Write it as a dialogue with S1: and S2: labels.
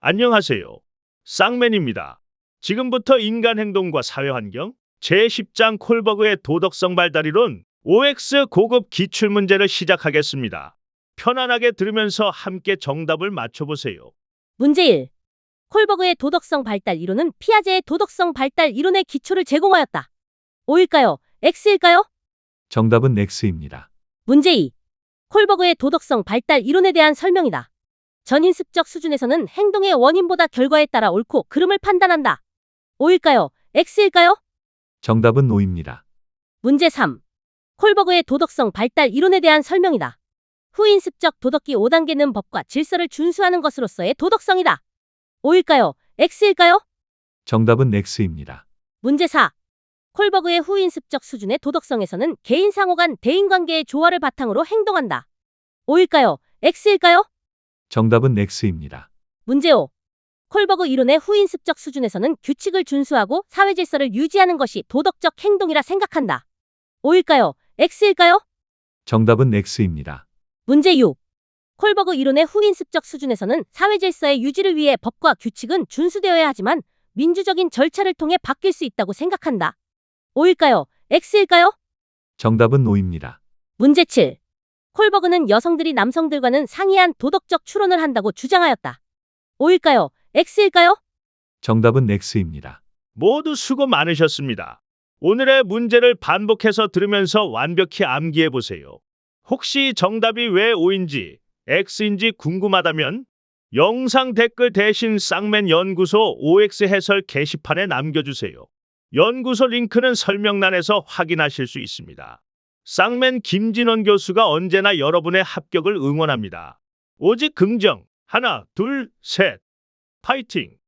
S1: 안녕하세요. 쌍맨입니다. 지금부터 인간 행동과 사회환경 제10장 콜버그의 도덕성 발달 이론 OX 고급 기출문제를 시작하겠습니다. 편안하게 들으면서 함께 정답을 맞춰보세요.
S2: 문제 1. 콜버그의 도덕성 발달 이론은 피아제의 도덕성 발달 이론의 기초를 제공하였다. O일까요? X일까요?
S3: 정답은 X입니다.
S2: 문제 2. 콜버그의 도덕성 발달 이론에 대한 설명이다. 전인습적 수준에서는 행동의 원인보다 결과에 따라 옳고 그름을 판단한다. O일까요? X일까요?
S3: 정답은 O입니다.
S2: 문제 3. 콜버그의 도덕성 발달 이론에 대한 설명이다. 후인습적 도덕기 5단계는 법과 질서를 준수하는 것으로서의 도덕성이다. O일까요? X일까요?
S3: 정답은 X입니다.
S2: 문제 4. 콜버그의 후인습적 수준의 도덕성에서는 개인 상호 간 대인관계의 조화를 바탕으로 행동한다. O일까요? X일까요?
S3: 정답은 X입니다.
S2: 문제 5. 콜버그 이론의 후인습적 수준에서는 규칙을 준수하고 사회 질서를 유지하는 것이 도덕적 행동이라 생각한다. O일까요? X일까요?
S3: 정답은 X입니다.
S2: 문제 6. 콜버그 이론의 후인습적 수준에서는 사회 질서의 유지를 위해 법과 규칙은 준수되어야 하지만 민주적인 절차를 통해 바뀔 수 있다고 생각한다. O일까요? X일까요?
S3: 정답은 O입니다.
S2: 문제 7. 콜버그는 여성들이 남성들과는 상이한 도덕적 추론을 한다고 주장하였다. O일까요? X일까요?
S3: 정답은 X입니다.
S1: 모두 수고 많으셨습니다. 오늘의 문제를 반복해서 들으면서 완벽히 암기해 보세요. 혹시 정답이 왜 O인지 X인지 궁금하다면 영상 댓글 대신 쌍맨 연구소 OX 해설 게시판에 남겨주세요. 연구소 링크는 설명란에서 확인하실 수 있습니다. 쌍맨 김진원 교수가 언제나 여러분의 합격을 응원합니다. 오직 긍정, 하나, 둘, 셋. 파이팅!